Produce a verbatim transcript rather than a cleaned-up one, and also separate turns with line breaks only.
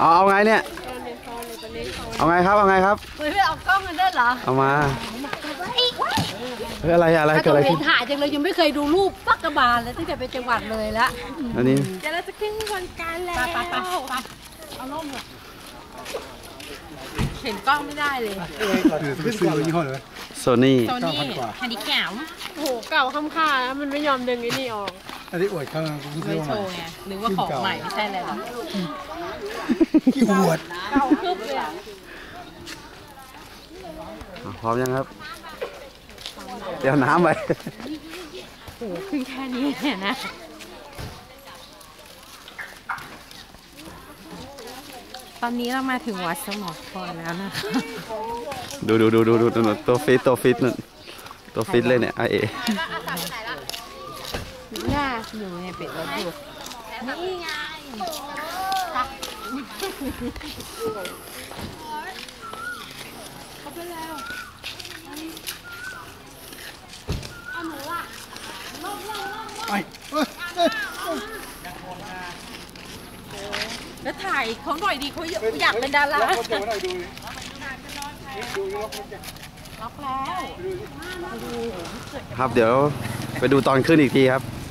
เอาเอาไงเนี่ยเอาไงครับเอาไงครับ
เฮ้ยไม่เอากล้องกันได้เหรอ
เอามาเฮ้ยอะไรอะไรเกิดอะไรขึ้น
ถ่ายจังเลยยังไม่เคยดูรูปปักกระบาลเลยตั้งแต่ไปจังหวัดเลยละ
อันนี้
เดี๋ยวเราจะขึ้นวันการแล้วไปไปไปเอาล่มเลยเห็นกล้องไม่ได้เลย
คือซื้อยี่ห้อเลย
โซนี่
โซนี่ฮันดิแคมโอ้โหเก่าค่ำค่าแล้วมันไม่ยอมดึงไอ้นี่ออก
อันนี้อวดข้าง
ไม่โชว์ไงหรือว่าของใหม่ไม่ใช่อะไรหรอ
กี่อวด
เก่าคึบเลยอ่ะ
พร้อมยังครับเดี๋ยวน้ำไป
โอ้โหขึ้นแค่นี้เนี่ยนะตอนนี้เรามาถึงวัดสมอพรแล้วนะคะ
ดูดูดูดูดูตัวฟิตตัวฟิตนั่นตัวฟิตเลยเนี่ยไอเอ
น่าอยู่ในเป็ดรถอยู่นี่ไงเขาไปแล้วเอาหนูอ่ะลงลงลง
ไป
แล้วถ่ายเขาหน่อยดีเขาอยากเป็นดาราล็อกแล้ว
ครับเดี๋ยวไปดูตอนขึ้นอีกทีครับ